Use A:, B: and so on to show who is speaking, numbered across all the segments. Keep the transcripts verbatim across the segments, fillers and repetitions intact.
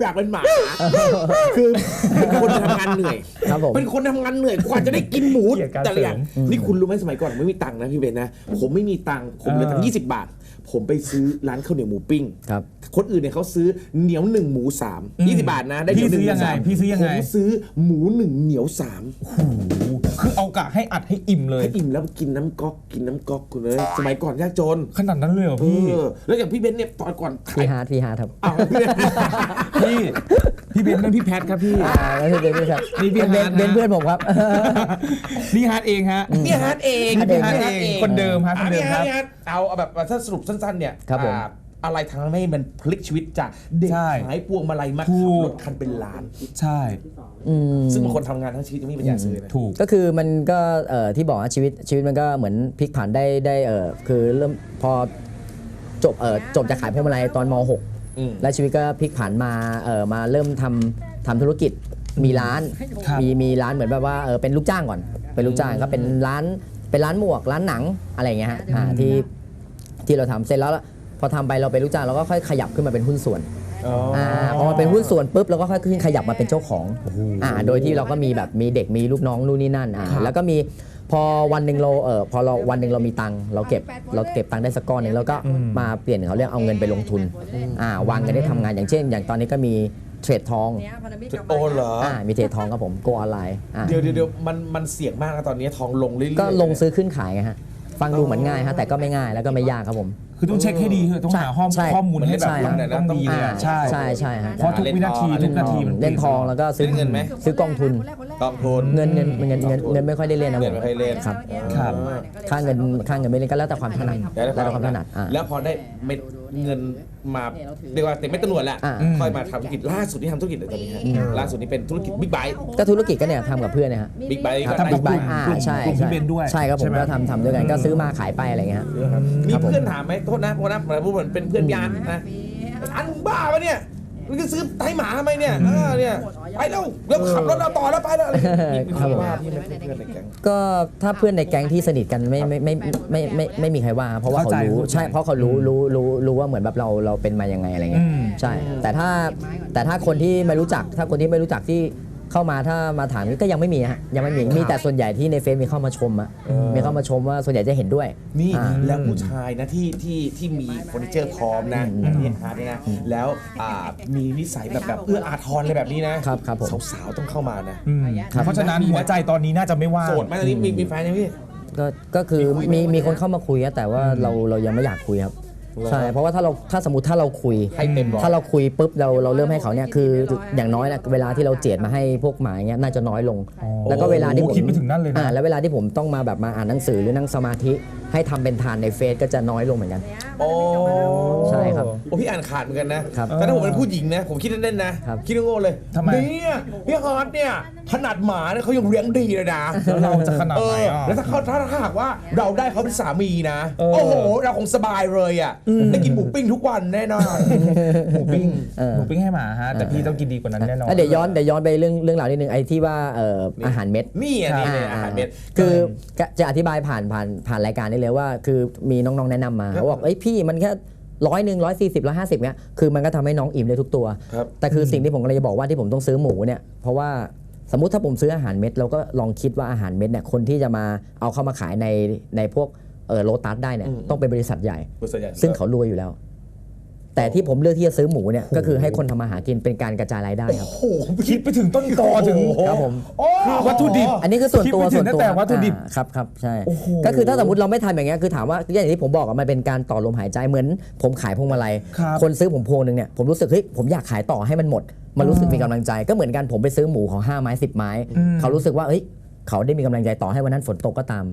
A: ากเป็นหมาคือเป็นคนทำงานเหนื่อยเป็นคนทำงานเหนื่อยกว่าจะได้กินหมูแต่ละอย่างนี่คุณรู้ไหมสมัยก่อนไม่มีตังค์นะพี่เบนนะผมไม่มีตังค์ผมเหลือตังค์ยี่สิบบาทผมไปซื้อร้านข้าวเหนียวหมูปิ้งคนอื่นเนี่ยเขาซื้อเหนียวหนึ่งหมูสามยี่สิบบาทนะได้เหนียวหนึ่งหมูสาม
B: พี่ซื้อยังไง
A: ผมซื้อหมูหนึ่งเหนียวสาม
B: คือเอากะให้อัดให้อิ่มเลย
A: ให้อิ่มแล้วกินน้ำก๊อกกินน้ำก๊อกคุณเลยสมัยก่อนยากจน
B: ขนาดนั้นเลยเหรอพี่
A: แล้วอย่างพี่เบนเนี่ยตอนก่อน
C: พี่ฮาร์ดพี่ฮาร์ดครับ
B: พี่พี่เบนนั่นพี่แพทครับพี่
C: แล้วพี่เบนพี่ครับนี่พี่เบนเบนเพื่อนผมครับ
B: นี่ฮาร์ดเองฮะ
A: นี่ฮาร์ดเอง
B: พี่ฮาร์ดเองคนเดิมฮะคนเดิมครับ
A: เอาแบบถ้าสรุปสั้นๆเนี่ยอะไรทำให้มันพลิกชีวิตจากเด็กหายพวงมาลัยมาขับรถคันเป็นล้าน
B: ใช่
A: ซึ่งบางคนทำงานทั้งชีวิตยังไม่มีปัญญาซื้อนะ
B: ถูก
C: ก็คือมันก็ที่บอกว่าชีวิตชีวิตมันก็เหมือนพลิกผันได้ได้คือเริ่มพอจบจบจากขายพวงมาลัยตอนม หกและชีวิตก็พลิกผันมามาเริ่มทำทำธุรกิจมีร้านมีมีร้านเหมือนแบบว่าเป็นลูกจ้างก่อนเป็นลูกจ้างก็เป็นร้านเป็นร้านหมวกร้านหนังอะไรอย่างเงี้ยฮะที่ที่เราทำเสร็จแล้วพอทำไปเราเป็นลูกจ้างเราก็ค่อยขยับขึ้นมาเป็นหุ้นส่วนอ่าพอมาเป็นหุ้นส่วนปุ๊บเราก็ค่อยขึ้นขยับมาเป็นเจ้าของอ่าโดยที่เราก็มีแบบมีเด็กมีลูกน้องนู่นนี่นั่นอ่าแล้วก็มีพอวันหนึ่งเราเออพอเราวันหนึ่งเรามีตังค์เราเก็บเราเก็บตังค์ได้สักก้อนหนึ่งแล้วก็มาเปลี่ยนเขาเรียกเอาเงินไปลงทุนอ่าวางเงินได้ทำงานอย่างเช่นอย่างตอนนี้ก็มีเทรดทอง
A: โอ้เหรอ
C: อ่ามีเทรดทองครับผมโกออนไลน์
A: เดี๋ยวเดี๋ยวมันมันเสี่ยงมากนะตอนนี้ทองลงเรื่อยๆ
C: ก็ลงซื้อขึ้นขายไงฮะฟังดูเหมือนง่ายฮะแต่ก็ไม่ง่ายแล้วก็ไม่ยากครับผม
B: คือต้องเช็คให้ดีคือต้องหาข้อมูลให้แบบต้องดีเลย
C: ใช่ใช่ใช่
B: เพราะทุกวินาทีทุกนาทีมัน
C: เล่นทองแล้วก็ซื้อ
A: เงินไหม
C: ซื้อกองทุน
A: กองทุน
C: เงินเงินเงินเงินเงินไม่ค่อยได้เล่นนะ
A: ผมไม่ค่อยเล่น
C: ครับ
B: ครับ
C: ค่าเงินค่าเงินไม่เล่นก็แล้วแต่ความถนัดแล้วแต่ความถนัด
A: แล้วพอได้เม็ดเงินมาเรียกว่าเต็มไม่ตำรวจแหละค่อยมาทำธุรกิจล่าสุดที่ทำธุรกิจอะไรตอนนี้ฮะล่าสุดนี้เป็นธุรกิจบิ๊กไบค์
C: ก็ธุรกิจก็เนี่ยทำกับเพื่อนนะฮะ
A: บิ๊กไบค์
C: ทำบิ๊กไบค์อ่าใช่ใช่ใช่ครับผมก็ทำทำด้วยกันก็ซื้อมาขายไปอะไรเงี้ย
A: มีเพื่อนถามไหมโทษนะโทษนะผมพูดเหมือนเป็นเพื่อนยานนะอันบ้าปะเนี่ยมึงจะซื้อไถหมาทำไมเนี่ยเออเนี่ยไปแล้วเดี๋ยวขับรถเราต่อแล้วไปแล้วอะไรครับผม
C: ก็ถ้าเพื่อนในแก๊งที่สนิทกันไม่ไม่ไม่ไม่ไม่ไม่มีใครว่าเพราะว่าเขารู้ใช่เพราะเขารู้รู้รู้รู้ว่าเหมือนแบบเราเราเป็นมายังไงอะไรเงี้ยใช่แต่ถ้าแต่ถ้าคนที่ไม่รู้จักถ้าคนที่ไม่รู้จักที่เข้ามาถ้ามาถามก็ยังไม่มีฮะยังไม่มีมีแต่ส่วนใหญ่ที่ในเฟซมีเข้ามาชมอะมีเข้ามาชมว่าส่วนใหญ่จะเห็นด้วย
A: นี่แล้วผู้ชายนะที่ที่ที่มีเฟอร์นิเจอร์พร้อมนะอันนี้ฮาร์ดเนี่ยนะแล้วมีนิสัยแบบแบบเอื้ออาทรอะไรแบบนี้นะครับ
C: ครับผม
A: สาวๆต้องเข้ามานะ
B: เพราะฉะนั้นหัวใจตอนนี้น่าจะไม่ว่าง
A: โสดไหมตอนนี้มีมีแฟนยังพี่
C: ก็ก็คือมีมีคนเข้ามาคุยแต่ว่าเราเรายังไม่อยากคุยครับใช่เพราะว่าถ้าเราถ้าสมมติถ้าเราคุยถ้าเราคุยปุ๊บเราเราเริ่มให้เขาเนี่ยคืออย่างน้อยนะเวลาที่เราเจียดมาให้พวกหมาเงี้ยน่าจะน้อยลงแล้วก็เวลาที่ผม
B: คิดไปถึงนั่นเลยนะ
C: แล้วเวลาที่ผมต้องมาแบบมาอ่านหนังสือหรือนั่งสมาธิให้ทำเป็นทานในเฟซก็จะน้อยลงเหมือนกัน
A: โอ้
C: ใช่ครับ
A: โอ้พี่อ่านขาดเหมือนกันนะแต่ถ้าผมเป็นผู้หญิงนะผมคิดเล่นๆนะคิดโง่เลยเนี่ยพี่ฮาร์ดเนี่ยขนาดหมาเนี่ยเขายังเลี้ยงดีเลยนะ
B: แล้วเราจะขนาดไหนอ่ะ
A: แล้วถ้าเขาถ้าหากว่าเราได้เขาเป็นสามีนะโอ้โหเราคงสบายเลยอ่ะได้กินหมูปิ้งทุกวันแน่นอน
B: หมูปิ้งหมูปิ้งให้หมาฮะแต่พี่ต้องกินดีกว่านั้นแน่นอน
C: เดี๋ยวย้อนเดี๋ยวย้อนไปเรื่องเรื่องราวนิดนึงไอ้ที่ว่าอาหารเม็ด
A: นี่อ่ะนี่อาหารเม็ด
C: คือจะอธิบายผ่านผ่านผ่านรายการได้เลยว่าคือมีน้องๆแนะนำมาเขาบอกเอ้ยพี่มันแค่ร้อยหนึ่งร้อยสี่สิบร้อยห้าสิบเนี้ยคือมันก็ทำให้น้องอิ่มได้ทุกตัวแต่คือสิ่งที่ผมกำลังจะบอกว่าที่ผมต้องซื้อหมูเนี่ยเพราะว่าสมมุติถ้าผมซื้ออาหารเม็ดเราก็ลองคิดว่าอาหารเม็ดเนี่ยคนที่จะมาเอาเข้ามาขายในในพวกเออโลตัสได้เนี่ยต้องเป็นบริษัทใหญ่ซึ่งเขารวยอยู่แล้วแต่ที่ผมเลือกที่จะซื้อหมูเนี่ยก็คือให้คนทำมาหากินเป็นการกระจายรายได้ครับ
B: โอ้โหคิดไปถึงต้นตอถึง
C: ครับผม
B: วัตถุดิบ
C: อันนี้คือส่วนตัวส่วนตัว
B: แต่วัตถุดิบ
C: ครับครับใช่ก็คือถ้าสมมติเราไม่ทำอย่างเงี้ยคือถามว่าอย่างที่ผมบอกมันเป็นการต่อลมหายใจเหมือนผมขายพวงมาลัยคนซื้อผมพวงนึงเนี่ยผมรู้สึกเฮ้ยผมอยากขายต่อให้มันหมดมันรู้สึกมีกำลังใจก็เหมือนกันผมไปซื้อหมูของห้าไม้สิบไม้เขารู้สึกว่าเฮ้ยเขาได้มีกำลังใจต่อให้วันนั้นฝนตกก็ตาม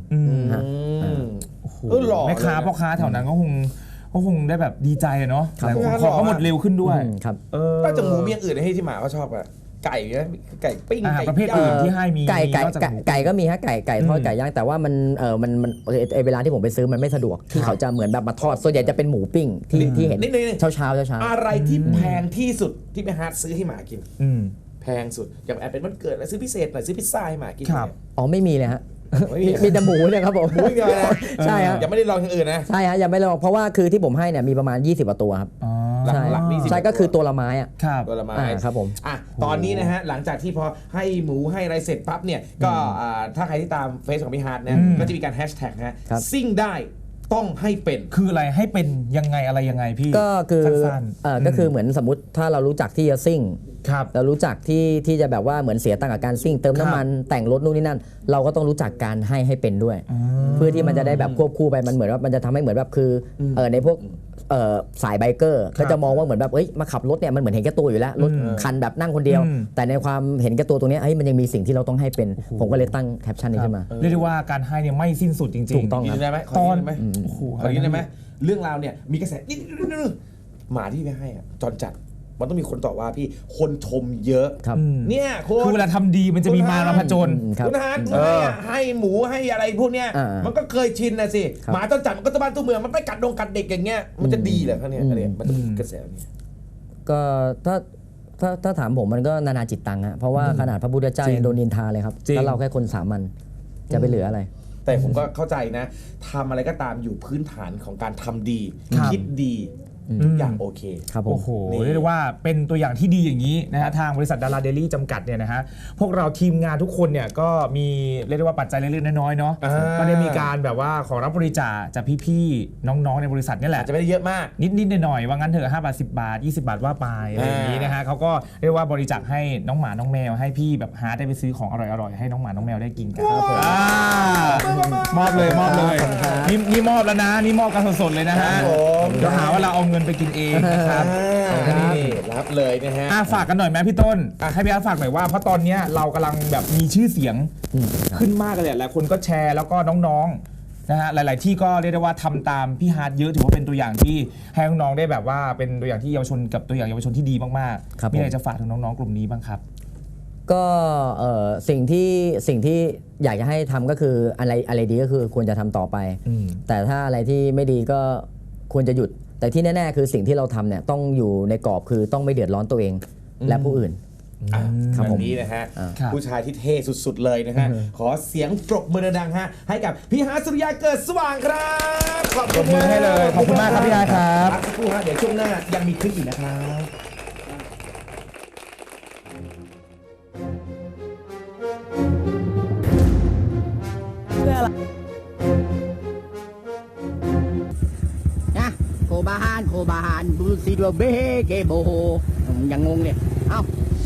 B: แม่ค้าพ่อค้าแถวนั้นก็คงก็คงได้แบบดีใจเนาะแต่ของก็หมดเร็วขึ้นด้วย
C: ครับ
A: ก็จะหมูมีอย่างอื่นให้ที่หมาเขาชอบอะไก่นะไก่ปิ้งไก่
B: ประเภทอื่นที่ให้มี
C: ไก่ไก่ไก่ก็มีฮะไก่ไก่ทอดไก่ย่างแต่ว่ามันเออมันมันเวลาที่ผมไปซื้อมันไม่สะดวกที่เขาจะเหมือนแบบมาทอดส่วนใหญ่จะเป็นหมูปิ้งที่ที่เห็นเช้าเช้าเช้าเช้า
A: อะไรที่แพงที่สุดที่ไปหาซื้อให้หมากินแพงสุดอย่างแอบเป็นวันเกิดแล้วซื้อพิเศษหน่อยซื้อพิซซ่าให้หมากิน
C: อ๋อไม่มีเลยฮะมีแต่หมูเนี่ยครับผม
A: หมูเดียวนะ
C: ใช่ครับ
A: ยังไม่ได้ลองอย่างอื่นนะ
C: ใช่ฮะยังไม่ลองเพราะว่าคือที่ผมให้เนี่ยมีประมาณยี่สิบกว่าตัวครับใช่
A: หลักๆนี่สิบ
C: ใช่ก็คือตัวละไม้อะ
B: ครับ
A: ตัวละไม้
C: อ่าครับผม
A: อ่ะตอนนี้นะฮะหลังจากที่พอให้หมูให้อะไรเสร็จปั๊บเนี่ยก็อ่าถ้าใครที่ตามเฟซของพี่ฮาร์ดนะ
B: อืม
A: ก็จะมีการแฮชแท็กนะฮะ
C: ครับ
A: ซิ่งได้ต้องให้เป็น
B: คืออะไรให้เป็นยังไงอะไรยังไงพี่
C: ก็คือ
B: สั้นๆ
C: เอ่อก็คือเหมือนสมมติถ้าเรารู้จักที่จะซิ่ง
B: ครับ
C: เรารู้จักที่ที่จะแบบว่าเหมือนเสียตังค์กับการซิ่งเติมน้ำมันแต่งรถนู่นนี่นั่น เราก็ต้องรู้จักการให้ให้เป็นด้วย เพื่อที่มันจะได้แบบควบคู่ไปมันเหมือนว่ามันจะทำให้เหมือนแบบคือเออในพวกเอ่อสายไบเกอร์ก็จะมองว่าเหมือนแบบเอ้ยมาขับรถเนี่ยมันเหมือนเห็นแก่ตัวอยู่แล้วรถคันแบบนั่งคนเดียว
B: อืม
C: แต่ในความเห็นแก่ตัวตรงเนี้ยเฮ้ยมันยังมีสิ่งที่เราต้องให้เป็น ผมก็เลยตั้งแคปชั่นนี้ขึ้นมา
B: เรียกได้ว่าการให้เนี่ยไม่สิ้นสุดจริงๆ
C: ถูกต้อง
A: ยินได้ไหมข
B: ต
A: อ
B: อน
A: ยินได้ไหม
B: โอ้โห
A: ขอยินได้ไหมเรื่องราวเนี่ยมีกระแสนิดๆหมาที่ไปให้อะจอนจัดมันต้องมีคนต่อว่าพี่คนชมเยอะ
C: ครับ
A: เนี่ยคน
B: คือเวลาทำดีมันจะมีมารมาผจญ
C: อืมครับ
A: คุณฮาร์ดให้อะให้หมูให้อะไรพวกเนี้ย
C: อ่ามั
A: มันก็เคยชินนะสิ
C: ครับ
A: หมาจอนจัดมันก็ตะบ้านตัวเมืองมันไปกัดดงกัดเด็กอย่างเงี้ยมันจะดีเหรอครับเนี่ยอะไรมันจะมีกระแสนี้
C: ก็ถ้าถ้าถ้าถามผมมันก็นานาจิตตังฮะเพราะว่าขนาดพระพุทธเจ้า
B: จริง
C: ยังโดนนินทาเลยครับ
B: จริง
C: แล้วเราแค่คนสามัญจะไปเหลืออะไร
A: แต่ผมก็เข้าใจนะทำอะไรก็ตามอยู่พื้นฐานของการทำดี
B: ครับ
A: คิดดีทุกอย่างโอเค
C: ครับผม
B: โอ้โห
A: นี่
B: เรียกได้ว่าเป็นตัวอย่างที่ดีอย่างนี้นะฮะทางบริษัทดาราเดลี่จำกัดเนี่ยนะฮะพวกเราทีมงานทุกคนเนี่ยก็มีเรียกได้ว่าปัจจัยเล็กๆน้อยๆเนาะ
A: อ่า
B: ก็ได้มีการแบบว่าขอรับบริจาคจากพี่ๆน้องๆในบริษัทนี่แห
A: อา
B: ละ
A: จจะไม่ได้เยอะมาก
B: นิดๆหน่อยๆว่างั้นเถอะห้าบาทสิบบาทยี่สิบบาทว่าไปอะไรอย่างนี้นะฮะเขาก็เรียกว่าบริจาคให้น้องหมาน้องแมวให้พี่แบบหาได้ไปซื้อของอร่อยๆให้น้องหมาน้องแมวได้กินกันอ่ามอบเลยมอบเลยนี่นี่มอบแล้วนะนี่มอบกันสดๆเลยนะฮะ
A: ครับผม
B: เดี๋ยวหาว่าเราเอาเงินไปกินเองนะครับ
A: อ่านี่รับเลยนะฮะ
B: อ่ะฝากกันหน่อยไหมพี่ต้นอ่ะให้พี่อาร์ตฝากหน่อยว่าเพราะตอนเนี้ยเรากำลังแบบมีชื่อเสียงขึ้นมากเลยหลายคนก็แชร์แล้วก็น้องๆนะฮะหลายๆที่ก็เรียกได้ว่าทำตามพี่ฮาร์ดเยอะถือว่าเป็นตัวอย่างที่ให้น้องๆได้แบบว่าเป็นตัวอย่างที่เยาวชนกับตัวอย่างเยาวชนที่ดีมาก
C: ครับ
B: ๆมีอะไร
C: ผม
B: จะฝากถึงน้องๆกลุ่มนี้บ้างครับ
C: ก็เอ่อสิ่งที่สิ่งที่อยากจะให้ทำก็คืออะไรอะไรดีก็คือควรจะทำต่อไป
B: อืม
C: แต่ถ้าอะไรที่ไม่ดีก็ควรจะหยุด แต่ที่แน่ๆคือสิ่งที่เราทำเนี่ยต้องอยู่ในกรอบคือต้องไม่เดือดร้อนตัวเองและผู้อื่น
A: อ่ะ
C: ครับ
A: แบ
C: ผม
A: บนี้นะฮะ
C: อ่า
B: ครับ
A: ผู้ชายที่เท่สุดๆเลยนะฮะ ขอเสียงปรบมือดังๆฮะให้กับพี่ฮาร์ทสุริยาเกิดสว่างครับขอบ
B: ปร
A: คุ
B: บ
A: ณ
B: มือให้เลยขอบคุณมากครับพี่ฮาร์ทครับ
A: พักสักครู่ฮะเดี๋ยวช่วงหน้ายังมีคลิปอีกนะครับ
D: นะโคบาฮานโคบาฮานบรูซิโดเบเกโบโฮอืมอย่างงงเนี่ย เอ้า